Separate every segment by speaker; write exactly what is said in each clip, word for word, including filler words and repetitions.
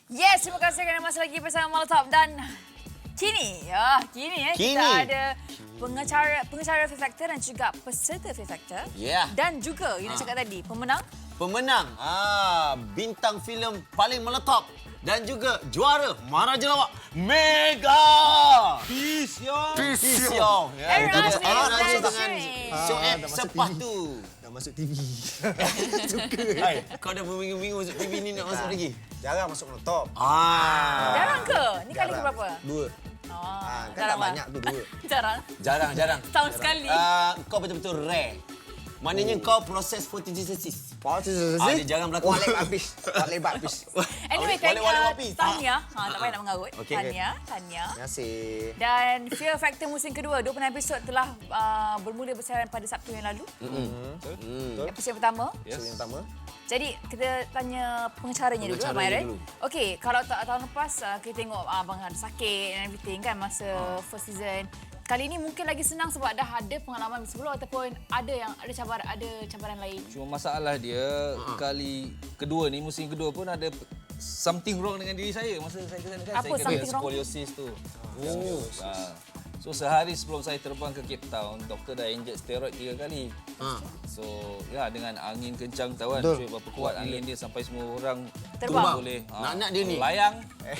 Speaker 1: Yes, terima kasih kerana masih lagi bersama Malatop dan kini, ya, kini ya
Speaker 2: Kini.
Speaker 1: kita ada pengacara pengacara Fear Factor dan juga peserta Fear Factor.
Speaker 2: Ya.
Speaker 1: Dan juga, you nak
Speaker 2: Ha.
Speaker 1: cakap tadi, pemenang.
Speaker 2: Pemenang ah, bintang filem paling meletop dan juga juara Maharaja Lawak Mega
Speaker 3: Peace, yo.
Speaker 2: Peace yo. Ya,
Speaker 1: Aaron
Speaker 2: itu dia.
Speaker 1: Asnis
Speaker 2: Aaron
Speaker 1: dan
Speaker 2: Asnis dengan
Speaker 1: Shuib.
Speaker 2: Shoaib
Speaker 3: Ah, dah masuk
Speaker 2: Sepatu.
Speaker 3: Dah masuk T V. Suka.
Speaker 2: Hai, kau dah berminggu-minggu masuk T V ni nak masuk lagi?
Speaker 3: Jarang masuk menotop.
Speaker 2: Ah.
Speaker 1: Jarang ke? Ni kali ke berapa?
Speaker 3: Dua.
Speaker 1: Oh,
Speaker 3: Ah, kan tak
Speaker 1: jarang lah.
Speaker 3: banyak tu dua.
Speaker 1: Jarang.
Speaker 2: Jarang, jarang.
Speaker 1: Tahun sekali.
Speaker 2: Ah, kau betul-betul rare. Maknanya kau proses photosynthesis.
Speaker 3: Pausa
Speaker 2: Ah, dia jarang berlakon.
Speaker 3: Walik habis. Walik habis.
Speaker 1: Anyway,
Speaker 2: Wale- wale
Speaker 1: Tanya,
Speaker 2: wapi.
Speaker 1: Tanya. Ha, tak payah nak mengarut.
Speaker 2: Okey.
Speaker 1: Tanya, Tanya.
Speaker 3: Terima kasih.
Speaker 1: Dan Fear Factor musim kedua, dua puluh enam episod telah uh, bermula bersiaran pada Sabtu yang lalu.
Speaker 3: Betul?
Speaker 1: Episod pertama.
Speaker 3: Yes. Yang pertama.
Speaker 1: Jadi kita tanya pengacaranya dulu,
Speaker 2: Pengacaranya
Speaker 1: Abang Aaron.
Speaker 2: dulu.
Speaker 1: Okey, kalau tak tahun lepas uh, kita tengok uh, abang ada sakit and everything kan masa
Speaker 2: Ah.
Speaker 1: first season. Kali ini mungkin lagi senang sebab dah ada pengalaman sebelum ataupun ada yang ada cabaran ada cabaran lain.
Speaker 4: Cuma masalah dia uh-huh. kali kedua ni, musim kedua pun ada something wrong dengan diri saya masa saya ke sana kan.
Speaker 1: Apa
Speaker 4: saya kena
Speaker 1: something wrong?
Speaker 4: scoliosis tu.
Speaker 3: Oh.
Speaker 4: Uh, so sehari sebelum saya terbang ke Cape Town, doktor dah inject steroid tiga kali.
Speaker 2: Ah.
Speaker 4: So ya dengan angin kencang tahu kan,
Speaker 3: Betul.
Speaker 4: cuy berapa kuat angin dia sampai semua orang
Speaker 1: Terbang.
Speaker 4: boleh.
Speaker 2: Nak-nak dia ni.
Speaker 4: Layang.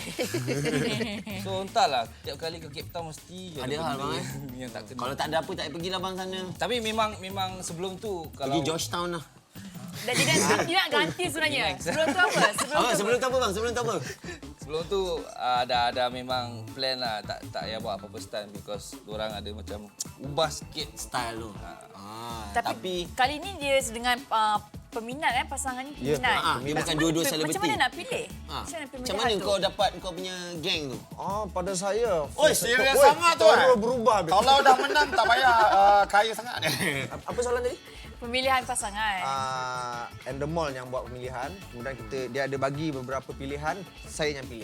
Speaker 4: So entahlah, tiap kali ke Cape Town mesti
Speaker 2: Ada hal,
Speaker 4: benda
Speaker 2: bang, eh?
Speaker 4: yang tak kena.
Speaker 2: Kalau tak ada apa, tak payah pergilah bang sana.
Speaker 4: Tapi memang memang sebelum tu kalau
Speaker 2: Pergi Georgetown lah.
Speaker 1: Dan dia, nak- dia nak ganti sebenarnya. Sebelum tu apa? Sebelum
Speaker 2: Oh,
Speaker 1: tu
Speaker 2: sebelum
Speaker 1: apa?
Speaker 2: tu apa bang? Sebelum tu apa?
Speaker 4: Sebelum tu uh, ada ada memang plan lah, tak tak payah buat apa-apa stunt because orang ada macam ubah sikit.
Speaker 2: Style tu. Ah,
Speaker 1: Tapi,
Speaker 2: tapi
Speaker 1: kali ni dia dengan uh, peminat kan pasangan ni
Speaker 3: Ya,
Speaker 1: peminat.
Speaker 2: ah, dia
Speaker 1: Macam
Speaker 2: bukan
Speaker 1: mana-
Speaker 2: dua-dua
Speaker 1: Macam
Speaker 2: selebriti.
Speaker 1: mana nak pilih?
Speaker 2: ah,
Speaker 1: Macam mana
Speaker 2: macam
Speaker 1: pemilihan
Speaker 2: mana
Speaker 1: tu?
Speaker 2: kau dapat kau punya geng tu?
Speaker 3: Oh, pada saya.
Speaker 2: Oi, serius
Speaker 3: Oi,
Speaker 2: sangat tu,
Speaker 3: cara
Speaker 2: eh?
Speaker 3: berubah.
Speaker 2: Kalau dah menang tak payah uh, kaya sangat.
Speaker 3: Apa soalan tadi?
Speaker 1: Pemilihan pasangan.
Speaker 3: Uh, Endemol yang buat pemilihan. Kemudian kita dia ada bagi beberapa pilihan, saya yang pilih.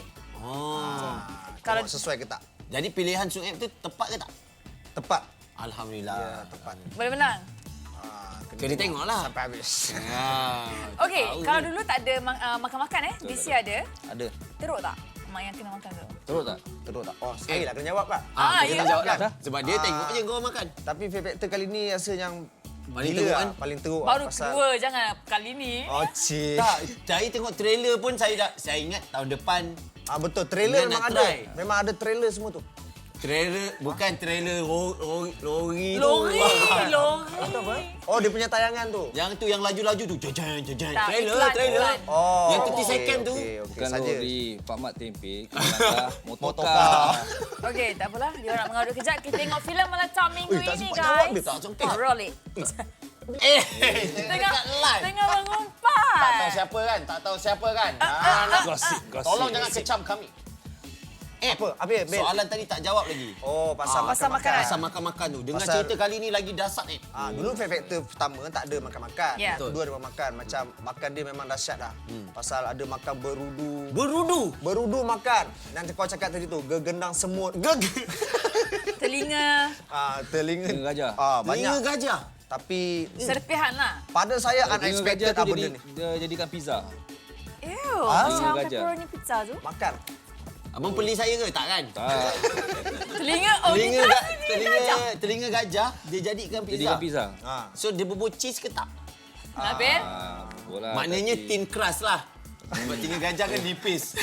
Speaker 2: Oh.
Speaker 3: Kalau
Speaker 1: Kalau-
Speaker 3: sesuai ke tak?
Speaker 2: Jadi pilihan Sueb tu tepat ke tak?
Speaker 3: Tepat.
Speaker 2: Alhamdulillah.
Speaker 3: Ya, tepat.
Speaker 1: Boleh menang?
Speaker 3: Ah,
Speaker 2: Kena tengoklah.
Speaker 3: Sampai habis.
Speaker 2: Ya.
Speaker 1: Okey,
Speaker 2: tahu
Speaker 1: kalau
Speaker 2: ni.
Speaker 1: dulu tak ada ma- uh, makan-makan eh, this year ada.
Speaker 4: Ada.
Speaker 1: Teruk tak? Mak yang kena makan tu.
Speaker 4: Terus tak?
Speaker 3: Terus tak? Oh, sekali lah kena jawab kan?
Speaker 2: Ah,
Speaker 1: Ah,
Speaker 2: dia
Speaker 1: ya.
Speaker 2: kena jawab kan?
Speaker 4: Dah.
Speaker 2: Sebab dia
Speaker 3: Ah.
Speaker 2: tengok je kau makan.
Speaker 3: Tapi Fear Factor kali ni rasa yang
Speaker 2: Paling
Speaker 3: gila
Speaker 2: teruk
Speaker 3: lah.
Speaker 2: kan?
Speaker 3: Paling teruk
Speaker 1: Baru
Speaker 3: lah, pasal-
Speaker 1: kedua, jangan kali ni.
Speaker 3: Oh, cik.
Speaker 2: Tak, saya tengok trailer pun saya dah saya ingat tahun depan
Speaker 3: Ah, betul, trailer
Speaker 2: Ingat
Speaker 3: memang
Speaker 2: nak
Speaker 3: ada.
Speaker 2: try.
Speaker 3: Memang ada trailer semua tu.
Speaker 2: trailer bukan trailer ro- ro- lori tu.
Speaker 1: Lori, lori.
Speaker 3: Atau apa? Oh, dia punya tayangan tu.
Speaker 2: Yang tu yang laju-laju tu. Jajan jajan.
Speaker 1: Tak,
Speaker 2: Trailer,
Speaker 1: iklan,
Speaker 2: trailer.
Speaker 1: iklan.
Speaker 3: Oh.
Speaker 2: Yang tiga puluh
Speaker 3: okey,
Speaker 2: second tu.
Speaker 3: Okey, okey
Speaker 4: Bukan
Speaker 3: saja.
Speaker 4: lori, Pak Mat Tempe, Kelangkah, motorkar.
Speaker 3: Motorkar.
Speaker 1: Okey, tak apalah. Dia nak mengarut kejap. Kita tengok filem Malatop minggu
Speaker 3: Ui, tak
Speaker 1: ini,
Speaker 3: sempat jawab
Speaker 1: guys.
Speaker 3: dia.
Speaker 2: Tak sempat.
Speaker 1: Roll it.
Speaker 2: Eh,
Speaker 1: Tengah,
Speaker 2: dekat live.
Speaker 1: tengah mengumpat.
Speaker 2: Tak tahu siapa kan? Tak tahu siapa kan? Ah, nak-
Speaker 4: Gosip, gosip.
Speaker 2: Tolong jangan kecam kami. Eh,
Speaker 3: Apa? Habis, Bil?
Speaker 2: soalan tadi tak jawab lagi.
Speaker 3: Oh, pasal
Speaker 1: Pasal makanan.
Speaker 2: Pasal makan-makan tu. Dengan
Speaker 3: Pasal-
Speaker 2: cerita kali ni lagi dasar eh.
Speaker 3: Ah, dulu Fear Factor pertama tak ada makan-makan.
Speaker 1: Ya.
Speaker 3: Kedua ada makan. Macam makan dia memang dahsyat dah.
Speaker 2: Hmm.
Speaker 3: Pasal ada makan berudu.
Speaker 2: Berudu.
Speaker 3: Berudu makan. Dan kau cakap tadi tu, gegendang semut. Geg.
Speaker 1: Telinga
Speaker 3: ah, telinga.
Speaker 4: Telinga gajah.
Speaker 3: Ah,
Speaker 2: Telinga
Speaker 3: banyak.
Speaker 2: gajah.
Speaker 3: Tapi
Speaker 1: serpihan lah.
Speaker 3: pada saya
Speaker 4: Telinga
Speaker 3: unexpected
Speaker 4: gajah tu
Speaker 3: lah benda
Speaker 4: jadi,
Speaker 3: ni.
Speaker 4: dia jadikan pizza.
Speaker 1: Ew,
Speaker 3: Ah.
Speaker 1: macam
Speaker 4: Telinga gajah.
Speaker 1: pepperoni pizza tu.
Speaker 3: Makan.
Speaker 2: Abang beli saya ke? Tak kan?
Speaker 4: Tak,
Speaker 1: Telinga, oh
Speaker 2: Telinga,
Speaker 1: kita
Speaker 2: ga-
Speaker 1: telinga
Speaker 2: telinga,
Speaker 1: gajah.
Speaker 2: telinga gajah dia jadikan pizza.
Speaker 4: jadikan pizza.
Speaker 3: Ah.
Speaker 2: So dia bubur cheese ke tak?
Speaker 1: Nabil?
Speaker 4: Ah, bola.
Speaker 2: Maknanya
Speaker 4: tapi-
Speaker 2: thin crust lah. Sebab telinga gajah kan nipis.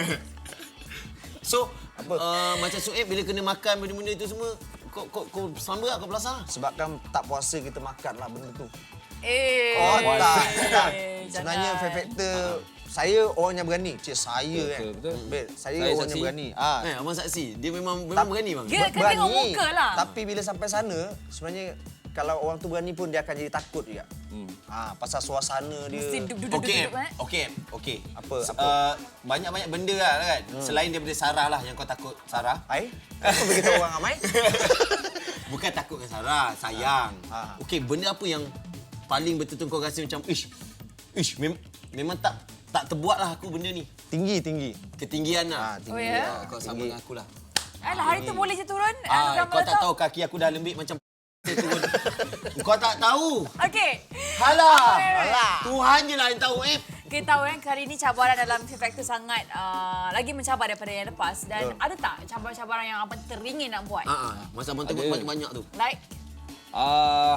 Speaker 2: So, apa? Uh, macam Sueb bila kena makan benda-benda itu semua, kau kau kau selamba tak kau belasah?
Speaker 3: Sebabkan tak puasa kita makan lah benda tu.
Speaker 1: Eh.
Speaker 3: Oh, tak. tak.
Speaker 1: Eh,
Speaker 3: Sebenarnya
Speaker 1: jangan.
Speaker 3: Fear Factor, saya orang yang berani. Cik, saya
Speaker 4: Betul,
Speaker 3: kan.
Speaker 4: betul.
Speaker 3: Bil, saya,
Speaker 4: Saya
Speaker 3: orang
Speaker 4: saksi.
Speaker 3: yang berani. Ah.
Speaker 2: Eh, abang saksi, dia memang memang berani bang.
Speaker 1: Dia- Kena tengok muka lah.
Speaker 3: Tapi bila sampai sana, sebenarnya kalau orang tu berani pun dia akan jadi takut juga.
Speaker 4: Hmm.
Speaker 3: Ah, pasal suasana dia.
Speaker 1: Mesti duduk-duduk
Speaker 2: Okey,
Speaker 1: eh.
Speaker 2: okey, okey.
Speaker 3: Apa,
Speaker 2: S-
Speaker 3: apa?
Speaker 2: Uh, banyak-banyak benda lah kan. Hmm. Selain daripada Sarah lah yang kau takut Sarah.
Speaker 3: Ai? Kenapa beritahu orang ramai?
Speaker 2: Bukan takut dengan Sarah, sayang.
Speaker 3: Ah.
Speaker 2: Okey, benda apa yang paling betul-betul kau rasa macam ish. Ish, mem- memang tak tak terbuat lah aku benda ni.
Speaker 3: Tinggi, tinggi.
Speaker 2: Ketinggian
Speaker 3: Ah,
Speaker 2: lah.
Speaker 3: tinggi.
Speaker 1: Oh, ya?
Speaker 2: Ah, kau sama dengan aku lah.
Speaker 1: Alah, hari tu boleh je turun.
Speaker 2: Ah,
Speaker 1: anugerah
Speaker 2: kau tak
Speaker 1: Malatop.
Speaker 2: tahu kaki aku dah lembik macam turun. Kau tak tahu.
Speaker 1: Okey.
Speaker 2: Halah.
Speaker 1: Alah.
Speaker 2: Tuhan je lah yang tahu, eh.
Speaker 1: Kita tahu kan kali ini cabaran dalam Fear Factor sangat uh, lagi mencabar daripada yang lepas. Dan
Speaker 3: Betul.
Speaker 1: ada tak cabaran-cabaran yang abang teringin nak buat?
Speaker 2: Ah, ah. Masa abang tengok
Speaker 4: Ada.
Speaker 2: banyak-banyak tu.
Speaker 1: Like?
Speaker 4: Ah,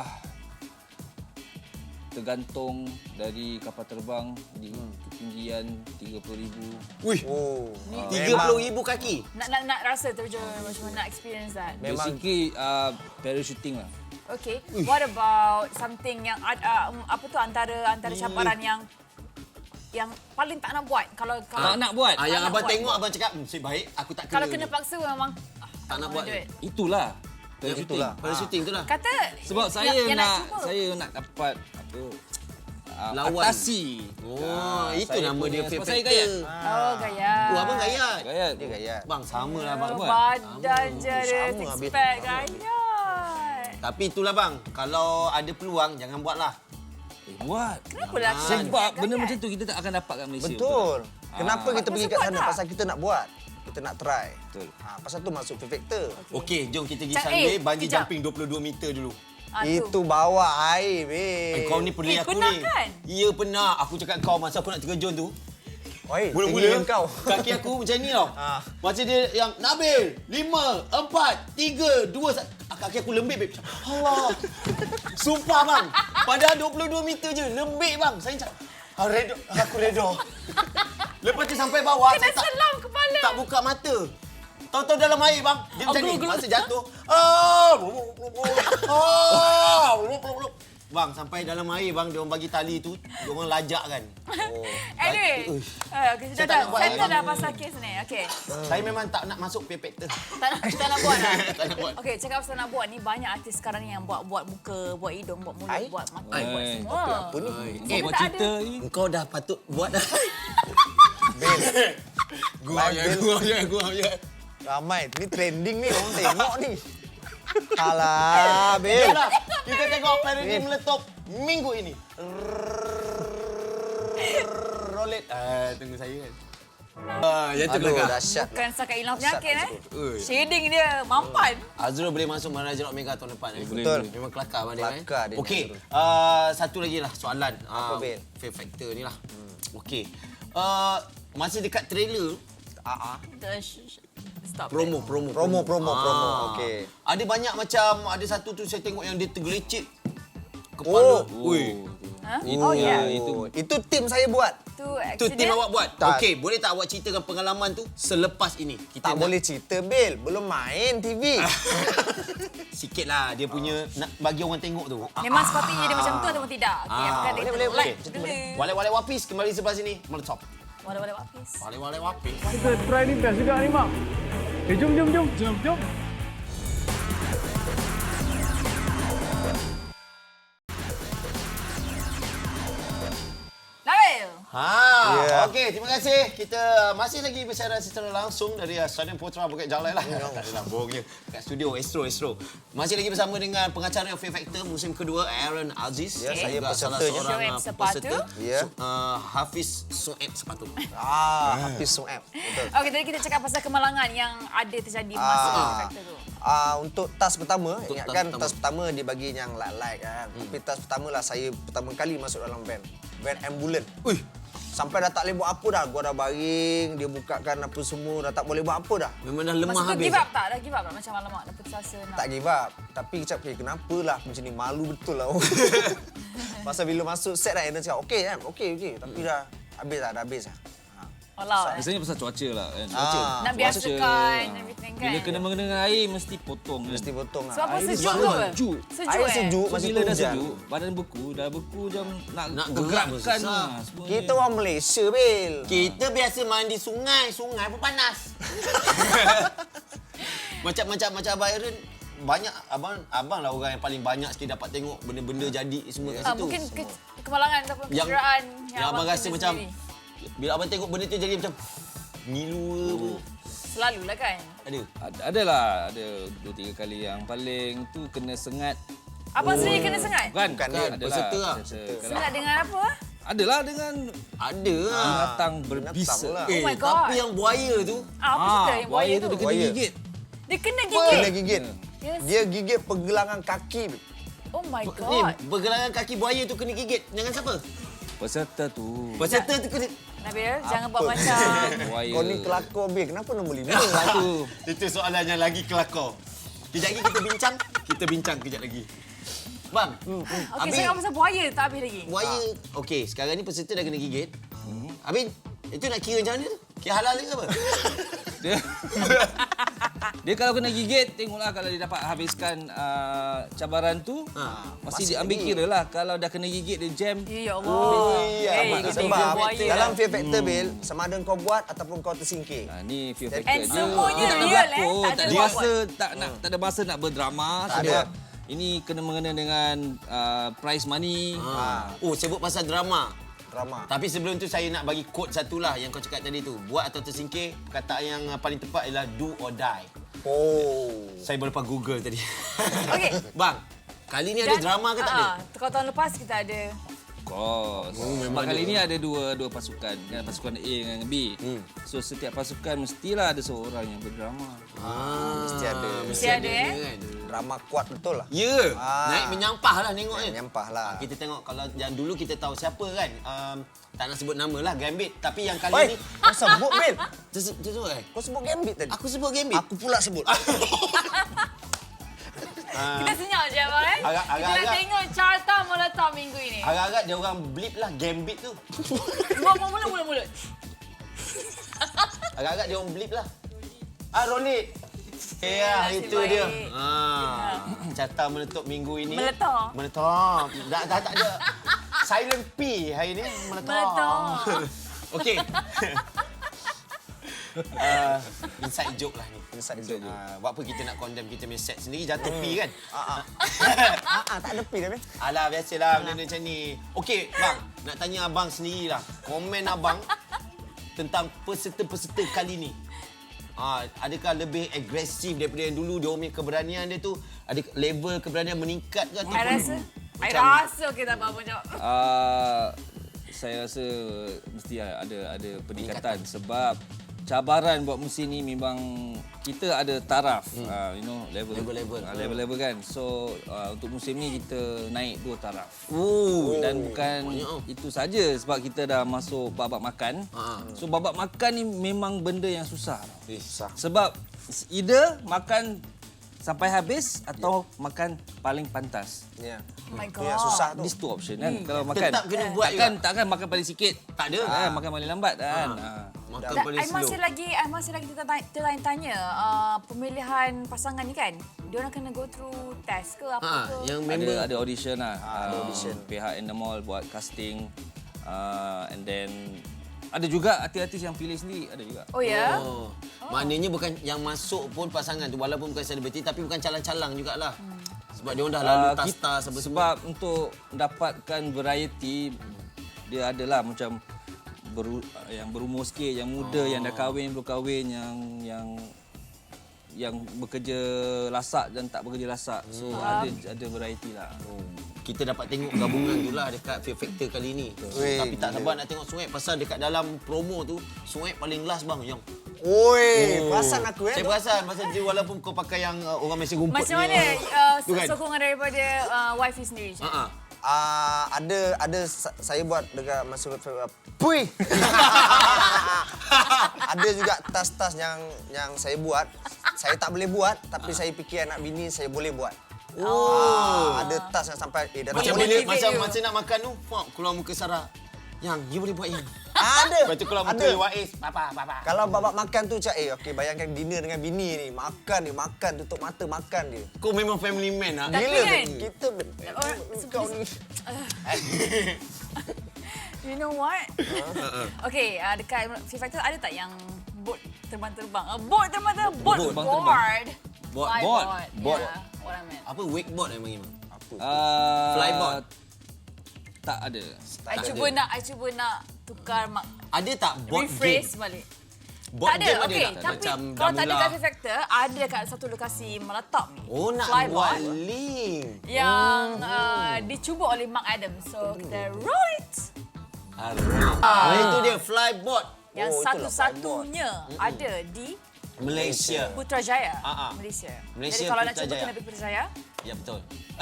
Speaker 4: tergantung dari kapal terbang di ketinggian tiga puluh ribu.
Speaker 2: Wih,
Speaker 3: Oh.
Speaker 2: tiga puluh ribu kaki.
Speaker 1: Nak nak nak rasa terjun macam mana, nak experience that.
Speaker 3: Memang-
Speaker 4: Basically uh, parachuting lah.
Speaker 1: Okay. What about something yang uh, um, apa tu antara antara
Speaker 2: Hmm.
Speaker 1: cabaran yang yang paling tak nak buat kalau kalau
Speaker 4: Tak nak buat.
Speaker 2: Ah, yang
Speaker 1: nak
Speaker 2: abang
Speaker 1: buat.
Speaker 2: tengok abang cakap, "Hmm, si baik aku tak kena."
Speaker 1: kalau kena
Speaker 2: ni."
Speaker 1: paksa memang ah,
Speaker 2: Tak nak
Speaker 1: I
Speaker 2: buat
Speaker 1: wanna do
Speaker 2: ni.
Speaker 1: it.
Speaker 4: Itulah.
Speaker 2: Yang
Speaker 4: Parachuting.
Speaker 2: itulah. Parachuting tu lah.
Speaker 1: Kata
Speaker 4: Sebab
Speaker 1: yang-
Speaker 4: saya
Speaker 1: yang
Speaker 4: nak,
Speaker 1: cuba.
Speaker 4: saya nak dapat apa uh,
Speaker 2: Lawan.
Speaker 4: atasi.
Speaker 2: Oh,
Speaker 4: Ah,
Speaker 2: itu
Speaker 4: saya
Speaker 2: nama
Speaker 4: punya-
Speaker 2: dia
Speaker 4: sebab
Speaker 2: Fear
Speaker 4: saya
Speaker 2: Factor.
Speaker 4: gayat.
Speaker 1: Oh, gaya.
Speaker 2: Oh, abang gayat.
Speaker 4: Gayat.
Speaker 3: Dia gayat.
Speaker 2: Bang, sama lah bang.
Speaker 1: Oh,
Speaker 4: buat.
Speaker 1: badan je ada
Speaker 3: Sama
Speaker 1: six
Speaker 3: habis.
Speaker 1: pack gaya.
Speaker 2: Tapi itulah bang, kalau ada peluang jangan buatlah.
Speaker 4: Eh, buat.
Speaker 1: Kenapa lah?
Speaker 2: Ah,
Speaker 4: Sebab benda macam tu kita tak akan dapat kat Malaysia.
Speaker 3: Betul. Kenapa
Speaker 4: Ah.
Speaker 3: kita pergi
Speaker 1: Pasal
Speaker 3: kat
Speaker 1: buat
Speaker 3: sana?
Speaker 1: tak?
Speaker 3: Pasal kita nak buat. Kita nak try.
Speaker 4: Betul.
Speaker 3: Ha, pasal tu masuk Fear Factor.
Speaker 2: Okey, jom kita pergi
Speaker 1: Cak,
Speaker 2: sambil
Speaker 1: eh,
Speaker 2: bungee
Speaker 1: kejap.
Speaker 2: jumping dua puluh dua meter dulu.
Speaker 1: Ah, tu.
Speaker 3: Itu bawa air,
Speaker 2: Eh,
Speaker 3: babe.
Speaker 2: kau ni peduli
Speaker 1: Eh,
Speaker 2: aku
Speaker 1: pernah
Speaker 2: ni.
Speaker 1: kan?
Speaker 2: Ya pernah. Aku cakap kau masa aku nak terjun tu.
Speaker 3: Oi,
Speaker 2: Mula-mula
Speaker 3: tinggi kau.
Speaker 2: kaki aku macam ni tau.
Speaker 3: Ah.
Speaker 2: Macam dia yang Nabil, lima, empat, tiga, dua, satu. Kaki aku lembik, babe. Allah. Sumpah bang. Padahal dua puluh dua meter je. Lembik bang. Saya cakap, ah, redo. Aku redo. Lepas tu sampai bawah.
Speaker 1: Kena
Speaker 2: saya tak,
Speaker 1: selam kepala.
Speaker 2: tak buka mata. Tahu-tahu dalam air bang. Dia macam ni.
Speaker 1: gluk-gluk.
Speaker 2: Masa jatuh. Ah, blub, blub, blub. Ah, blub, blub, blub. Bang, sampai dalam air bang, dia orang bagi tali tu, dia orang lajak kan. Oh.
Speaker 1: Anyway,
Speaker 2: Uish.
Speaker 1: uh, okay,
Speaker 2: Saya
Speaker 1: dah,
Speaker 2: tak
Speaker 1: dah,
Speaker 2: nak buat
Speaker 1: settle
Speaker 2: lagi.
Speaker 1: dah pasal kes ni. Okay.
Speaker 2: Saya memang tak nak masuk Fear Factor.
Speaker 1: Tak nak, tak nak buat lah.
Speaker 2: Tak nak buat.
Speaker 1: Okay, cakap pasal nak buat ni, banyak artis sekarang ni yang buat buat muka, buat hidung, buat mulut,
Speaker 3: Ai?
Speaker 1: buat mata,
Speaker 4: Ai.
Speaker 1: buat
Speaker 4: Ai.
Speaker 1: semua.
Speaker 3: Apa ni?
Speaker 4: Eh, buat
Speaker 1: tak
Speaker 4: cerita
Speaker 1: ada.
Speaker 4: ni.
Speaker 2: Engkau dah patut buat dah.
Speaker 3: Bil.
Speaker 2: Gua ya, gua ya, gua ya.
Speaker 3: Ramai. Ni trending ni. Orang tengok ni. Alah, Bil.
Speaker 2: Jomlah, kita tengok parodi meletup minggu ini. Roll it. Ah, tunggu saya kan. Ah, yang tu
Speaker 3: Aduh,
Speaker 2: belakang.
Speaker 3: dahsyat.
Speaker 1: Bukan setakat hilang penyakit eh.
Speaker 2: Ui.
Speaker 1: Shading dia mampan.
Speaker 2: Azrul boleh masuk Maharaja Rock Mega tahun depan. Eh?
Speaker 4: Boleh,
Speaker 3: Betul.
Speaker 4: boleh.
Speaker 2: Memang kelakar abang dia.
Speaker 3: Kelakar
Speaker 2: eh?
Speaker 3: dia,
Speaker 2: Okey,
Speaker 3: Azrul.
Speaker 2: uh, satu lagi lah soalan.
Speaker 3: Apa,
Speaker 2: Uh,
Speaker 3: Bil?
Speaker 2: Fear Factor ni lah. Hmm. Okey. Uh, masih dekat trailer,
Speaker 3: Ah, ah.
Speaker 1: Stop.
Speaker 2: promo, promo.
Speaker 3: Promo, promo,
Speaker 2: Ah.
Speaker 3: promo. Okey.
Speaker 2: Ada banyak macam, ada satu tu saya tengok yang dia tergelecik. Kepala.
Speaker 3: Oh.
Speaker 2: Ui.
Speaker 1: Ha?
Speaker 4: Itu,
Speaker 1: Oh ya.
Speaker 4: ya. Itu.
Speaker 3: Oh, itu tim saya buat.
Speaker 1: Tu
Speaker 2: Tu tim
Speaker 1: accident.
Speaker 2: awak buat?
Speaker 3: Tak.
Speaker 2: Okey, boleh tak awak ceritakan pengalaman tu selepas ini? Kita
Speaker 3: Tak
Speaker 2: nak-
Speaker 3: boleh cerita, Bil. Belum main T V.
Speaker 2: Sikit lah dia punya, nak bagi orang tengok tu.
Speaker 1: Memang sepatutnya dia macam tu ataupun tidak? Okey,
Speaker 2: Ah.
Speaker 1: apakah dia
Speaker 3: Boleh, boleh,
Speaker 1: like
Speaker 3: boleh.
Speaker 1: dulu.
Speaker 2: Walek-walek wapis kembali sebelah sini. Meletop.
Speaker 1: Wala-wala wapis.
Speaker 2: Walek-walek wapis.
Speaker 5: Kita try ni best juga ni, Mak. Eh, jom, jom, jom. Jom, jom.
Speaker 1: Nabil.
Speaker 2: Ha,
Speaker 3: Ya.
Speaker 2: okey, terima kasih. Kita masih lagi bersiaran secara langsung dari uh, Stadium Putra Bukit Jalai lah. Tak adalah, bohong je. Kat studio Astro Astro. Masih lagi bersama dengan pengacara Fear Factor musim kedua Aaron Aziz.
Speaker 3: Ya,
Speaker 2: Dan
Speaker 3: saya
Speaker 2: juga salah
Speaker 3: pesertanya.
Speaker 2: seorang
Speaker 1: Shoaib
Speaker 2: uh,
Speaker 1: Sepatu.
Speaker 2: peserta.
Speaker 3: Ya.
Speaker 2: Su- uh, Hafiz Sueb Sepatu.
Speaker 3: Ah, Hafiz Sueb. Betul.
Speaker 1: Okey, tadi kita cakap pasal kemalangan yang ada terjadi masa
Speaker 3: Ah.
Speaker 1: factor tu.
Speaker 3: Ah, untuk tas pertama,
Speaker 2: Untuk
Speaker 3: ingatkan
Speaker 2: tas
Speaker 3: tas pertama dia bagi yang like-like kan. Hmm. Tapi tas pertama lah saya pertama kali masuk dalam van. Van ambulan.
Speaker 2: Ui,
Speaker 3: Sampai dah tak boleh buat apa dah. Gua dah baring, dia bukakan apa semua, dah tak boleh buat apa dah.
Speaker 2: memang dah lemah
Speaker 1: Masa tu
Speaker 2: habis.
Speaker 1: give up tak? Dah give up tak? Macam alamak, dah putus asa nak.
Speaker 3: Tak give up. Tapi kecap, okay, kenapa lah macam ni? Malu betul lah. Pasal bila masuk set dah, Aaron cakap, okey kan? Okey, okey. Tapi dah habis dah, dah habis dah.
Speaker 1: Alah, eh.
Speaker 4: Biasanya pasal cuaca lah kan.
Speaker 3: Ah.
Speaker 4: Cuaca.
Speaker 1: Nak biasakan everything kan.
Speaker 4: Bila kena mengena dengan air mesti potong kan.
Speaker 3: Mesti potong lah.
Speaker 1: Sebab apa
Speaker 4: Air dia
Speaker 1: sejuk ke
Speaker 4: sejuk.
Speaker 1: apa?
Speaker 4: Sejuk.
Speaker 1: Sejuk
Speaker 3: Air
Speaker 1: eh?
Speaker 3: sejuk,
Speaker 4: So,
Speaker 3: masa
Speaker 4: bila
Speaker 3: tu
Speaker 4: dah
Speaker 3: hujan.
Speaker 4: sejuk, badan beku, dah beku macam nak,
Speaker 2: Nak gerak pun
Speaker 4: gerakkan
Speaker 2: susah.
Speaker 4: lah semua
Speaker 3: Kita
Speaker 4: ni.
Speaker 3: orang Malaysia, Bil.
Speaker 2: Kita biasa mandi sungai, sungai pun panas. macam macam macam Abang Aaron, banyak abang abang lah orang yang paling banyak sikit dapat tengok benda-benda jadi semua kat
Speaker 1: Ah,
Speaker 2: situ.
Speaker 1: mungkin ke, kemalangan ataupun
Speaker 2: yang
Speaker 1: kecederaan
Speaker 2: yang abang rasa
Speaker 1: terima
Speaker 2: macam
Speaker 1: sendiri.
Speaker 2: bila abang tengok benda tu jadi macam ngilu apa.
Speaker 1: Selalulah kan.
Speaker 2: Ada.
Speaker 4: Ada, ada lah, ada dua tiga kali yang paling tu kena sengat.
Speaker 1: Abang sendiri kena sengat?
Speaker 4: Bukan,
Speaker 3: Bukan dia,
Speaker 4: adalah
Speaker 2: peserta lah.
Speaker 4: peserta. Kalau-
Speaker 1: Sengat dengan apa?
Speaker 4: Adalah dengan
Speaker 2: Ada lah.
Speaker 4: binatang
Speaker 3: binatang
Speaker 4: berbisa.
Speaker 3: lah.
Speaker 2: Eh,
Speaker 1: Oh my God.
Speaker 2: tapi yang buaya tu
Speaker 1: Ah, apa cerita yang buaya tu?
Speaker 4: tu dia kena
Speaker 3: Buaya.
Speaker 4: gigit.
Speaker 1: Dia kena
Speaker 3: Kena
Speaker 1: gigit?
Speaker 3: gigit.
Speaker 1: Yes.
Speaker 3: Dia gigit pergelangan kaki. Bil.
Speaker 1: Oh my
Speaker 2: ni
Speaker 1: god.
Speaker 2: bergelangan kaki buaya tu kena gigit. Dengan siapa?
Speaker 4: Peserta tu.
Speaker 2: Peserta tu kena...
Speaker 1: Nabil, jangan buat macam...
Speaker 4: Buaya.
Speaker 3: Kau ni kelakor, Bil. Kenapa nombor lima?
Speaker 4: Satu.
Speaker 2: Itu soalannya lagi kelakor. Kejap lagi kita bincang. Kita bincang kejap lagi. Bang, hmm, hmm.
Speaker 1: Okey, saya pasal buaya tak habis lagi.
Speaker 2: buaya... Okey, sekarang ni peserta dah kena gigit. Hmm. Habis, itu nak kira macam mana tu? Kira halal ke apa?
Speaker 4: Dia, dia kalau kena gigit, tengoklah kalau dia dapat habiskan uh, cabaran tu,
Speaker 2: Ha,
Speaker 4: masih diambil kira lah. Kalau dah kena gigit, dia jam.
Speaker 1: Ya Allah.
Speaker 3: Oh,
Speaker 1: Eh,
Speaker 3: iya.
Speaker 1: kita
Speaker 3: Sebab
Speaker 1: ingat buaya.
Speaker 3: dalam fear factor, Bil, sama ada kau buat ataupun kau tersingkir.
Speaker 4: Ha, ni fear factor.
Speaker 1: And semuanya
Speaker 4: Dia tak ada
Speaker 1: real, eh.
Speaker 4: berlakon,
Speaker 1: Tak ada
Speaker 4: tak ada
Speaker 1: buat-buat.
Speaker 4: masa, tak, nak, tak ada masa nak berdrama.
Speaker 3: Tak
Speaker 4: Sebab
Speaker 3: ada.
Speaker 4: ini kena mengena dengan uh, prize money.
Speaker 2: Ha. Oh, sebut pasal drama.
Speaker 3: Drama.
Speaker 2: Tapi sebelum tu saya nak bagi quote satu lah yang kau cakap tadi tu. Buat atau tersingkir, perkataan yang paling tepat ialah do or die.
Speaker 3: Oh.
Speaker 2: Saya baru lepas Google tadi.
Speaker 1: Okey.
Speaker 2: Bang, kali ni ada
Speaker 1: Dan-
Speaker 2: drama ke tak ada?
Speaker 1: Ah, kalau tahun lepas kita ada...
Speaker 4: Of course.
Speaker 2: Oh, memang
Speaker 4: Sebab kali
Speaker 2: ada.
Speaker 4: ni ada dua dua pasukan. Kan? Pasukan A dengan B.
Speaker 2: Hmm.
Speaker 4: So setiap pasukan mestilah ada seorang yang berdrama.
Speaker 2: Ah,
Speaker 3: Mesti ada.
Speaker 1: Mesti ada, eh?
Speaker 2: kan?
Speaker 3: Drama kuat betul lah.
Speaker 2: Ya,
Speaker 3: Ah.
Speaker 2: naik menyampah lah tengok kan.
Speaker 3: Menyampah lah.
Speaker 2: Kita tengok kalau yang dulu kita tahu siapa kan. Um, tak nak sebut nama lah, Gambit. Tapi yang kali
Speaker 3: Oi,
Speaker 2: ni...
Speaker 3: kau sebut, Bil.
Speaker 2: Tersebut sebut eh?
Speaker 3: Kau sebut Gambit tadi.
Speaker 2: Aku sebut Gambit.
Speaker 3: Aku pula sebut.
Speaker 1: Kita senyap je abang eh.
Speaker 2: Agak-
Speaker 1: Kita nak
Speaker 2: agak-agak-
Speaker 1: tengok carta meletak minggu ini.
Speaker 2: Agak-agak dia orang blip lah Gambit tu.
Speaker 1: Buat mulut mulut mulut.
Speaker 2: Agak-agak dia orang blip lah. Ah, Rolit. Eh, ya,
Speaker 1: nasib
Speaker 2: itu
Speaker 1: baik.
Speaker 2: dia. Ah, carta meletup minggu ini.
Speaker 1: Meletup.
Speaker 2: Meletup. Dah, dah tak ada. Silent P hari ni. Meletup.
Speaker 1: Meletup.
Speaker 2: Okey. uh, inside joke lah ni.
Speaker 3: Inside joke.
Speaker 2: Uh, buat apa kita nak condemn kita punya set sendiri jatuh P kan?
Speaker 3: Ah, ah. ah, ah, tak ada pi dah, Bil.
Speaker 2: Alah, biasalah benda macam ni. Okey, bang, nak tanya abang sendirilah. Komen abang tentang peserta-peserta kali ni. Ah, adakah lebih agresif daripada yang dulu? Dia punya keberanian dia tu, ada level keberanian meningkat ke?
Speaker 1: I
Speaker 2: ataupun
Speaker 1: rasa. I
Speaker 2: macam-
Speaker 1: rasa kita tak apa jawab.
Speaker 4: Uh, saya rasa mesti ada ada peningkatan sebab cabaran buat musim ni memang kita ada taraf, hmm. uh, you know, level
Speaker 2: Level-level.
Speaker 4: uh, level-level kan. So uh, untuk musim ni kita naik dua taraf.
Speaker 2: Oh,
Speaker 4: Dan bukan
Speaker 2: banyak tau.
Speaker 4: itu saja sebab kita dah masuk babak makan.
Speaker 2: Ha.
Speaker 4: So babak makan ni memang benda yang susah.
Speaker 2: Eh, sah.
Speaker 4: Sebab either makan sampai habis atau makan paling pantas.
Speaker 3: Ya.
Speaker 1: Oh my God.
Speaker 3: Yang susah tu.
Speaker 4: These two option kan. Kalau makan
Speaker 2: Tetap kena buat
Speaker 4: takkan
Speaker 2: juga.
Speaker 4: takkan makan paling sikit.
Speaker 2: Tak ada.
Speaker 4: Ah, makan paling lambat kan.
Speaker 2: Ha.
Speaker 4: Ah.
Speaker 2: Makan
Speaker 1: Dan
Speaker 2: paling
Speaker 1: I
Speaker 2: slow.
Speaker 1: masih lagi, I masih lagi tertanya, tertanya uh, pemilihan pasangan ni kan. Dia orang kena go through test ke apa
Speaker 2: Ha,
Speaker 1: ke?
Speaker 2: yang
Speaker 4: Ada
Speaker 2: member
Speaker 4: ada audition lah.
Speaker 3: ada
Speaker 4: Ah,
Speaker 3: audition.
Speaker 4: Pihak Endemol buat casting. Uh, and then ada juga artis-artis yang pilih sendiri, ada juga.
Speaker 1: Oh ya.
Speaker 2: Oh. Maknanya bukan yang masuk pun pasangan tu walaupun bukan selebriti tapi bukan calang-calang jugalah. Hmm. Sebab dia orang dah lalu
Speaker 4: Ah,
Speaker 2: tas-tas
Speaker 4: kita-
Speaker 2: apa semua.
Speaker 4: Sebab untuk mendapatkan variety dia adalah macam beru, yang berumur sikit, yang muda,
Speaker 2: Oh.
Speaker 4: yang dah kahwin, belum kahwin, yang yang yang bekerja lasak dan tak bekerja lasak. So ada ada variety lah.
Speaker 2: Kita dapat tengok gabungan tu lah dekat Fear Factor kali ni.
Speaker 3: Weh,
Speaker 2: Tapi tak
Speaker 3: gila.
Speaker 2: sabar nak tengok Suhaib pasal dekat dalam promo tu Suhaib paling last bang yang.
Speaker 3: Oi, perasan aku eh.
Speaker 2: Saya perasan pasal dia walaupun kau pakai yang uh, orang Malaysia rumput
Speaker 1: Macam
Speaker 2: ni.
Speaker 1: mana uh,
Speaker 2: Tu kan?
Speaker 1: sokongan daripada uh, wifi sendiri?
Speaker 2: Ha ah.
Speaker 3: Ah, ada ada sa- saya buat dekat masa Pui. Ada juga tas-tas yang yang saya buat. Saya tak boleh buat tapi saya fikir anak bini saya boleh buat. Oh, ah, ada tas yang sampai eh dah tak
Speaker 2: Macam
Speaker 3: boleh.
Speaker 2: bila
Speaker 1: motivate
Speaker 2: macam
Speaker 1: you.
Speaker 2: macam nak makan tu, fak keluar muka Sarah. Yang you boleh buat yang.
Speaker 3: Ada.
Speaker 2: Lepas tu keluar muka
Speaker 3: Ada.
Speaker 2: Wais, papa papa.
Speaker 3: Kalau babak makan tu cak eh okey bayangkan dinner dengan bini ni, makan ni makan tutup mata makan dia.
Speaker 2: Kau memang family man ah.
Speaker 1: Tapi
Speaker 3: Gila
Speaker 1: kan,
Speaker 3: kita
Speaker 1: orang-
Speaker 3: kau ni.
Speaker 1: You know what? Okay, uh, dekat Fear Factor ada tak yang boat terbang-terbang? Uh, boat terbang-terbang? Boat,
Speaker 4: terbang-terbang.
Speaker 1: board.
Speaker 2: Board.
Speaker 1: Fly
Speaker 4: Board.
Speaker 1: board.
Speaker 2: Board.
Speaker 1: Yeah, what I meant.
Speaker 2: Apa wakeboard yang panggil? Apa?
Speaker 4: Uh,
Speaker 2: Flyboard?
Speaker 4: Tak ada.
Speaker 1: I
Speaker 2: Tak
Speaker 1: cuba
Speaker 2: ada.
Speaker 1: nak, I cuba nak tukar mak,
Speaker 2: Ada tak board
Speaker 1: rephrase
Speaker 2: game?
Speaker 1: balik.
Speaker 2: Board
Speaker 1: tak ada,
Speaker 2: game
Speaker 1: okey.
Speaker 2: tak?
Speaker 1: Tapi
Speaker 2: Macam
Speaker 1: kalau tak ada
Speaker 2: Damula.
Speaker 1: kat Fear Factor, ada kat satu lokasi meletap ni.
Speaker 2: Oh, nak
Speaker 1: Flyboard.
Speaker 2: buat link.
Speaker 1: Yang uh, dicuba oleh Mark Adams. So, kita roll it.
Speaker 2: Ah, itu dia flyboard
Speaker 1: Yang
Speaker 3: Oh, itulah
Speaker 1: satu-satunya ada di
Speaker 2: Malaysia.
Speaker 1: Putrajaya,
Speaker 2: Ah, ah.
Speaker 1: Malaysia.
Speaker 2: Malaysia,
Speaker 1: Jadi kalau nak cuba
Speaker 2: Putrajaya.
Speaker 1: kena pergi Putrajaya.
Speaker 2: Ya betul. Eh,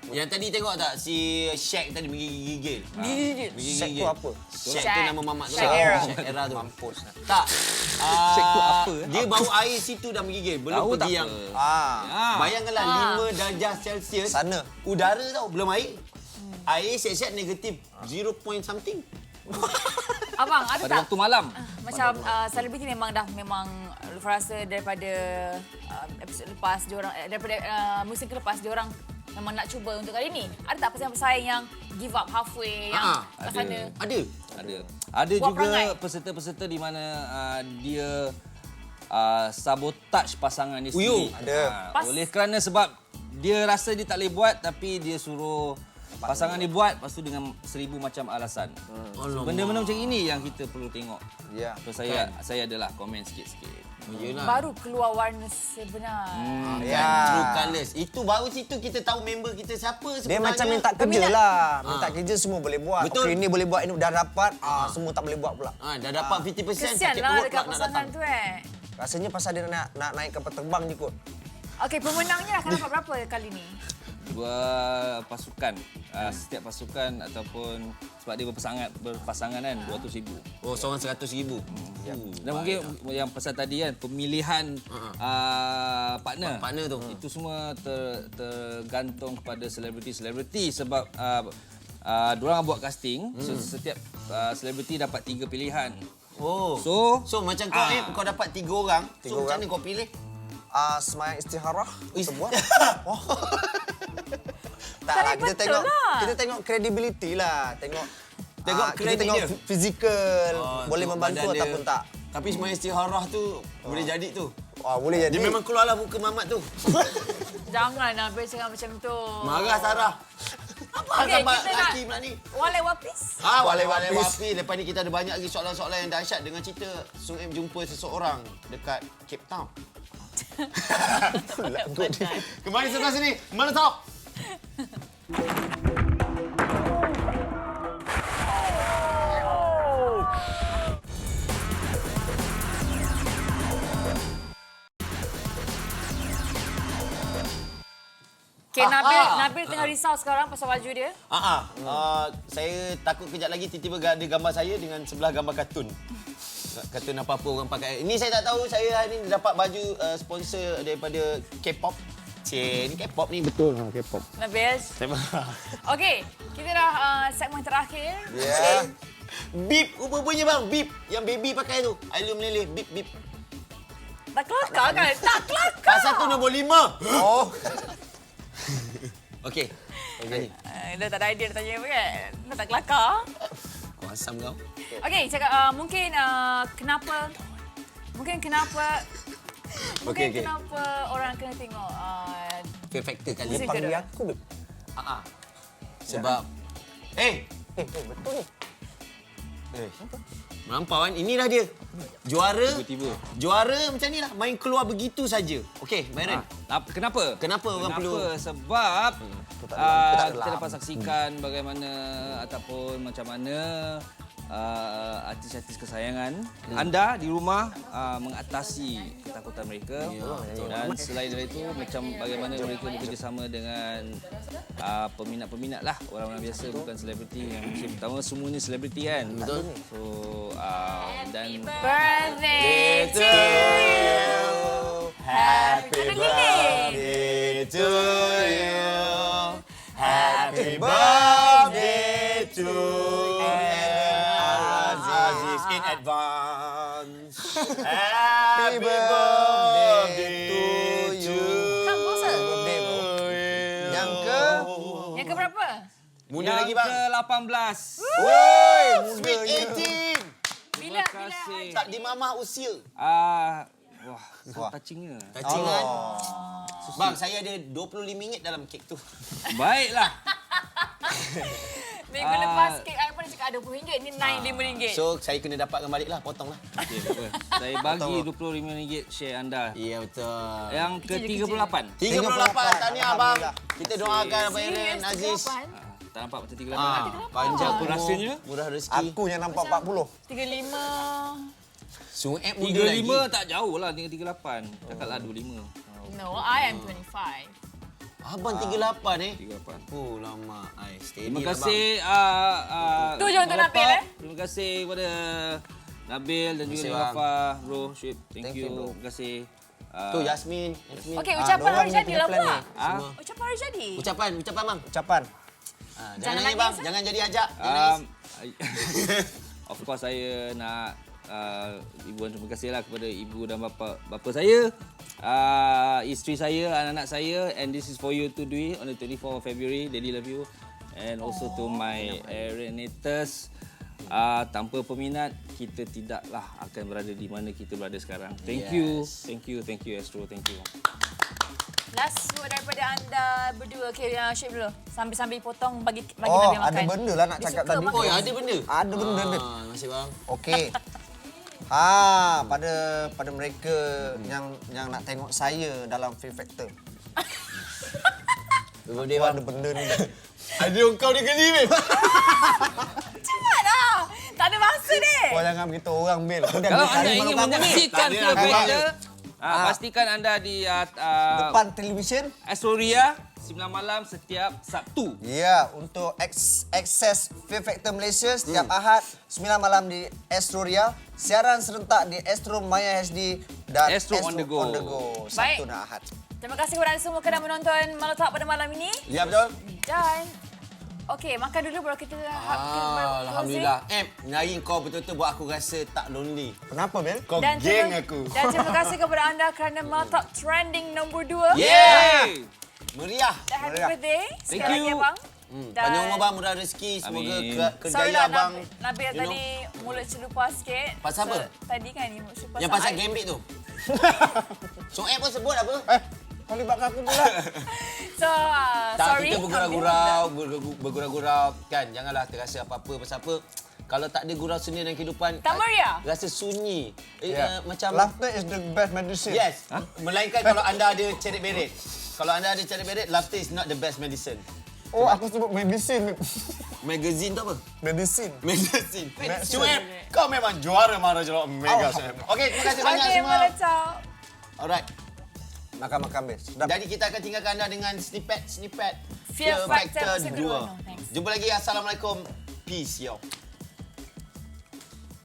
Speaker 2: Yang tadi tengok tak si Shaq tadi menggigil-gigil.
Speaker 1: Gigit.
Speaker 3: Shaq tu apa?
Speaker 2: Shaq tu
Speaker 1: Shaq.
Speaker 2: nama mamak tu.
Speaker 1: Shaq era.
Speaker 2: Shaq era tu.
Speaker 3: Mampus.
Speaker 2: Tak. Ah,
Speaker 4: Shaq tu apa?
Speaker 2: Dia bau air situ dah menggigil. Belum
Speaker 4: Tahu tak
Speaker 2: pergi yang
Speaker 4: apa?
Speaker 3: Ah,
Speaker 4: Ah.
Speaker 2: bayangkanlah
Speaker 1: Ah.
Speaker 2: lima darjah Celsius.
Speaker 3: Sana.
Speaker 2: Udara tau, belum air. Air siap-siap negatif zero point something.
Speaker 1: Abang, ada
Speaker 4: Pada
Speaker 1: tak?
Speaker 4: waktu malam.
Speaker 1: Macam uh, selebriti memang dah memang Lufa rasa daripada uh, episod lepas diorang eh, daripada uh, musim lepas diorang memang nak cuba untuk kali ni. Ada tak pesaing-pesaing yang give up halfway yang
Speaker 2: Ah,
Speaker 1: kat
Speaker 4: ada.
Speaker 1: sana?
Speaker 2: Ada.
Speaker 4: Ada. Ada
Speaker 1: Buat
Speaker 4: juga
Speaker 1: perangai.
Speaker 4: peserta-peserta di mana uh, dia uh, sabotage pasangan dia
Speaker 2: Uyuh,
Speaker 4: sendiri.
Speaker 3: ada.
Speaker 4: Ah,
Speaker 1: Pas-
Speaker 4: oleh kerana sebab dia rasa dia tak boleh buat tapi dia suruh pasangan dia buat, lepas tu dengan seribu macam alasan.
Speaker 2: Alamak.
Speaker 4: Benda-benda macam ini yang kita perlu tengok.
Speaker 3: Ya.
Speaker 4: So saya saya adalah komen sikit-sikit.
Speaker 2: Yelah.
Speaker 1: Baru keluar warna sebenar.
Speaker 2: Hmm,
Speaker 3: Ya.
Speaker 2: kan, true colours. Itu baru situ kita tahu member kita siapa sebenarnya.
Speaker 3: Dia macam minta kerja
Speaker 1: Peminat.
Speaker 3: lah. Minta kerja semua boleh buat.
Speaker 2: Betul.
Speaker 3: Okey, ini boleh buat, ini dah dapat. Ah, semua tak boleh buat pula.
Speaker 2: Ah, dah dapat lima puluh peratus
Speaker 1: Kesian
Speaker 2: sakit
Speaker 1: lah
Speaker 2: perut
Speaker 1: dekat
Speaker 2: pula nak
Speaker 1: pasangan
Speaker 2: datang.
Speaker 1: tu eh.
Speaker 3: Rasanya pasal dia nak, nak naik kapal terbang je kot.
Speaker 1: Okey, pemenangnya akan dapat berapa kali ni?
Speaker 4: Dua pasukan. Uh, setiap pasukan ataupun sebab dia berpasangan berpasangan kan dua ratus ribu.
Speaker 2: Oh, seorang seratus ribu.
Speaker 4: Ya. Dan mungkin yang pasal tadi kan pemilihan uh, partner.
Speaker 2: Partner tu.
Speaker 4: Itu semua ter, tergantung kepada selebriti-selebriti sebab uh, uh, diorang buat casting. So setiap uh, selebriti dapat tiga pilihan.
Speaker 2: Oh.
Speaker 4: So
Speaker 2: So macam kau
Speaker 4: Ah.
Speaker 2: eh, kau dapat tiga orang.
Speaker 3: Tiga
Speaker 2: so macam
Speaker 3: orang.
Speaker 2: mana kau pilih?
Speaker 3: Ah, semayang istiharah
Speaker 2: Is-
Speaker 3: kita buat. Oh. tak
Speaker 1: Tak
Speaker 3: lah, kita
Speaker 1: betul
Speaker 3: tengok
Speaker 1: lah.
Speaker 3: kita tengok credibility lah. Tengok
Speaker 2: Tengok
Speaker 3: ah, kita
Speaker 2: kredit
Speaker 3: tengok
Speaker 2: dia.
Speaker 3: fi- fizikal, boleh
Speaker 2: tengok
Speaker 3: membantu
Speaker 2: badan dia.
Speaker 3: ataupun tak.
Speaker 2: Tapi semua istiharah tu boleh jadi tu.
Speaker 3: Wah, boleh jadi.
Speaker 2: Dia memang keluarlah muka mamat tu.
Speaker 1: Jangan Nabil cakap macam tu.
Speaker 2: Marah Sarah. Apa
Speaker 1: Okey,
Speaker 2: gambar
Speaker 1: kita nak-
Speaker 2: lelaki pula ni?
Speaker 1: Walai wapis.
Speaker 2: Ah,
Speaker 3: Walai
Speaker 2: walai
Speaker 3: wapis.
Speaker 2: wapi. Lepas ni kita ada banyak lagi soalan-soalan yang dahsyat dengan cerita Sung Em jumpa seseorang dekat Cape Town. Kembali sebelah sini. Mana Talk?
Speaker 1: Okey, Nabil,
Speaker 2: Aha.
Speaker 1: Nabil tengah risau sekarang pasal baju dia.
Speaker 2: Ah, ah. Uh, saya takut kejap lagi tiba-tiba ada gambar saya dengan sebelah gambar kartun. Kartun apa-apa orang pakai. Ini saya tak tahu, saya hari ini dapat baju uh, sponsor daripada K-pop. Cik, ni K-pop ni betul. Ha, K-pop.
Speaker 1: Nabil.
Speaker 2: Saya marah.
Speaker 1: Okey, kita dah uh, segmen terakhir.
Speaker 3: Ya.
Speaker 2: Bip, rupa-rupanya bang, bip. Yang baby pakai tu. Ailu meleleh, bip, bip.
Speaker 1: Tak kelakar kan? Tak kelakar.
Speaker 2: Pasal tu nombor lima.
Speaker 3: Oh.
Speaker 2: Okey. Okey.
Speaker 1: Uh, dah tak ada idea dia tanya apa kan? Dah tak kelakar.
Speaker 2: Kau asam kau.
Speaker 1: Okey, cakap uh, mungkin uh, kenapa mungkin kenapa mungkin
Speaker 2: Okey, okey.
Speaker 1: kenapa orang kena tengok uh,
Speaker 2: Fear factor kali.
Speaker 1: Muzik
Speaker 3: Panggil
Speaker 1: kedua.
Speaker 3: aku, babe.
Speaker 2: Ah, ah. Sebab eh,
Speaker 3: Eh, eh, betul ni.
Speaker 2: eh. Melampau kan? Inilah dia. Juara.
Speaker 4: tiba-tiba.
Speaker 2: Juara macam ni lah. Main keluar begitu saja. Okey, Myron.
Speaker 4: Ah, kenapa?
Speaker 2: Kenapa orang
Speaker 4: Kenapa?
Speaker 2: perlu-
Speaker 4: Sebab
Speaker 3: tak
Speaker 4: uh,
Speaker 3: dalam, tak
Speaker 4: kita
Speaker 3: dalam.
Speaker 4: dapat saksikan bagaimana ataupun macam mana uh, artis-artis kesayangan anda di rumah uh, mengatasi ketakutan mereka. Dan selain dari itu macam bagaimana mereka bekerjasama dengan uh, peminat-peminat lah, orang-orang biasa bukan selebriti. Yang musim pertama semuanya selebriti kan.
Speaker 2: Betul.
Speaker 4: So uh, dan
Speaker 1: birthday to you.
Speaker 2: Happy
Speaker 1: Ada lirik.
Speaker 2: birthday to you. Happy birthday to Aziz in advance. Happy birthday to you.
Speaker 1: Kang puasa?
Speaker 3: Birthday, bro. Yang ke?
Speaker 1: Yang ke berapa?
Speaker 2: Muda
Speaker 4: yang
Speaker 2: lagi bang.
Speaker 4: ke lapan belas.
Speaker 3: Woi,
Speaker 2: Sweet eighteen.
Speaker 1: Bila
Speaker 4: Terima
Speaker 1: bila
Speaker 4: kasih.
Speaker 2: Tak di mamah usia.
Speaker 4: Ah, wah, so
Speaker 3: Wah.
Speaker 4: touchingnya.
Speaker 2: Touching kan? Bang, saya ada dua puluh lima ringgit dalam kek tu.
Speaker 4: Baiklah.
Speaker 1: Minggu
Speaker 4: Ah.
Speaker 1: lepas kek I pun dia cakap ada dua puluh ringgit, ni naik lima ringgit.
Speaker 2: So, saya kena dapatkan balik lah, potong lah.
Speaker 4: Okay, apa? Saya bagi dua puluh lima ringgit share anda.
Speaker 2: Ya, betul.
Speaker 4: Yang ke tiga puluh lapan.
Speaker 2: tiga puluh lapan, tahniah abang.
Speaker 3: Alhamdulillah.
Speaker 2: Kita doakan Abang Aaron,
Speaker 1: Serius,
Speaker 2: Aziz.
Speaker 1: tiga puluh lapan?
Speaker 4: Tak nampak macam tiga puluh lapan.
Speaker 2: Ah, panjang
Speaker 4: Apa rasanya?
Speaker 2: Murah rezeki.
Speaker 3: Aku yang nampak empat puluh.
Speaker 1: tiga puluh lima.
Speaker 2: Sueb muda
Speaker 4: tiga puluh lima
Speaker 2: lagi.
Speaker 4: tak jauh lah dengan tiga puluh lapan. Cakaplah dua puluh lima.
Speaker 1: No, I am twenty-five.
Speaker 2: Abang tiga lapan eh.
Speaker 4: tiga lapan.
Speaker 2: Oh, lama. Ai, steady
Speaker 4: Terima
Speaker 2: lah,
Speaker 4: kasih uh, uh,
Speaker 1: Tu je untuk Nabil, eh.
Speaker 4: Terima kasih kepada Nabil dan juga
Speaker 2: kasih,
Speaker 4: Rafa, bro, Syed. Thank,
Speaker 3: Thank
Speaker 4: you.
Speaker 3: you, bro.
Speaker 4: Terima kasih.
Speaker 2: Bang.
Speaker 4: Uh,
Speaker 2: Tu Yasmin, Yasmin.
Speaker 1: Okey,
Speaker 3: Ah,
Speaker 1: ucapan
Speaker 3: dorang
Speaker 1: hari
Speaker 3: ni
Speaker 1: jadi
Speaker 3: punya
Speaker 1: lah
Speaker 3: plan
Speaker 1: pula.
Speaker 3: ni.
Speaker 4: ah,
Speaker 1: Ucapan hari jadi.
Speaker 2: Ucapan, ucapan bang.
Speaker 3: Ucapan.
Speaker 2: Ha, jangan,
Speaker 1: Jangan
Speaker 2: nangis
Speaker 1: nangis,
Speaker 2: bang,
Speaker 1: eh.
Speaker 2: jangan jadi ajak. Jangan
Speaker 4: um,
Speaker 2: nangis.
Speaker 4: of course saya nak uh, ibu terima kasihlah kepada ibu dan bapa bapa saya, uh, isteri saya, anak-anak saya, and this is for you to do it on the twenty-fourth of February. Daddy love you. And also to my Arenators, uh, tanpa peminat kita tidaklah akan berada di mana kita berada sekarang. Thank
Speaker 2: Yes.
Speaker 4: you, thank you, thank you Astro, thank you.
Speaker 1: Last word daripada anda berdua. Okey, uh, Syed dulu. Sambil-sambil potong bagi bagi
Speaker 3: Oh,
Speaker 1: Nabil makan.
Speaker 3: ada benda lah nak
Speaker 1: Dia
Speaker 3: cakap
Speaker 1: suka
Speaker 3: tadi.
Speaker 1: makan.
Speaker 2: Oh, ya, ada benda.
Speaker 3: Ada benda dia.
Speaker 2: Ah, terima kasih bang.
Speaker 3: Okey. Ha, pada pada mereka yang yang nak tengok saya dalam Fear Factor.
Speaker 2: Birthday
Speaker 3: Apa
Speaker 2: bang.
Speaker 3: ada benda ni.
Speaker 2: Ada kau dia geli weh.
Speaker 1: Cepat lah. Tak ada masa ni.
Speaker 3: Kau jangan beritahu orang, Bil. Kau dah
Speaker 4: Kalau
Speaker 3: dua
Speaker 4: anda
Speaker 3: kali
Speaker 4: ingin
Speaker 3: malam-malam ni.
Speaker 4: menyaksikan
Speaker 2: Tak ada
Speaker 4: Fear
Speaker 2: lah,
Speaker 4: Factor,
Speaker 3: Ah.
Speaker 4: uh, pastikan anda di uh, uh,
Speaker 3: Depan televisyen.
Speaker 4: Astoria sembilan malam setiap Sabtu.
Speaker 3: Ya, untuk aks- akses Fear Factor Malaysia setiap
Speaker 2: Hmm.
Speaker 3: Ahad sembilan malam di Astro Ria, siaran serentak di Astro Maya H D dan
Speaker 4: Astro On The Go.
Speaker 3: On The Go Sabtu
Speaker 1: Baik.
Speaker 3: dan Ahad.
Speaker 1: Terima kasih kepada anda semua kerana menonton Malam Talk pada malam ini.
Speaker 2: Ya betul.
Speaker 1: Dan okey, makan dulu baru kita
Speaker 2: Ah, Alhamdulillah. Em, hari kau betul-betul buat aku rasa tak lonely.
Speaker 3: Kenapa, Bil?
Speaker 2: Kau
Speaker 1: Dan
Speaker 2: geng
Speaker 1: terima,
Speaker 2: aku.
Speaker 1: dan terima kasih kepada anda kerana Malam Talk trending nombor dua.
Speaker 2: Yeah! Meriah.
Speaker 1: Dan happy
Speaker 3: Meriah.
Speaker 1: birthday
Speaker 4: Thank
Speaker 1: sekali lagi
Speaker 4: you.
Speaker 1: abang.
Speaker 2: Hmm,
Speaker 1: Dan-
Speaker 2: panjang umur bang, murah rezeki. Semoga
Speaker 4: Amin.
Speaker 2: ke,
Speaker 1: Sorry
Speaker 2: kerjaya
Speaker 1: lah
Speaker 2: abang.
Speaker 1: Nabil, Nabil
Speaker 2: you
Speaker 1: tadi mulut celupa sikit.
Speaker 2: Pasal apa?
Speaker 1: Tadi kan ni mulut celupa.
Speaker 2: Yang pasal gambit tu. So, app pun sebut apa?
Speaker 3: Eh, kau libatkan aku pula.
Speaker 1: So, uh,
Speaker 2: Tak,
Speaker 1: sorry.
Speaker 2: kita bergurau-gurau, bergu- bergurau-gurau. Kan, janganlah terasa apa-apa. Pasal apa? Kalau tak ada gurau seni dalam kehidupan,
Speaker 1: Tak meriah.
Speaker 2: rasa sunyi. Eh,
Speaker 3: Ya.
Speaker 2: uh, macam...
Speaker 3: Laughter is the best medicine.
Speaker 2: Yes. Melainkan kalau anda ada ceret beret. Kalau anda ada ceret beret, laughter is not the best medicine.
Speaker 3: Oh, aku sebut medicine.
Speaker 2: Magazine tu apa?
Speaker 3: Medicine.
Speaker 2: Medicine.
Speaker 3: Medicine.
Speaker 2: Sueb, kau memang juara marah jelok mega Sueb. Okey, terima kasih banyak
Speaker 1: Okey,
Speaker 2: semua.
Speaker 1: Malam Talk.
Speaker 2: Alright.
Speaker 3: Makan-makan, Bil. Sedap.
Speaker 2: Jadi kita akan tinggalkan anda dengan snippet-snippet
Speaker 1: Fear Factor episode kedua. No, thanks.
Speaker 2: Jumpa lagi. Assalamualaikum. Peace, yo.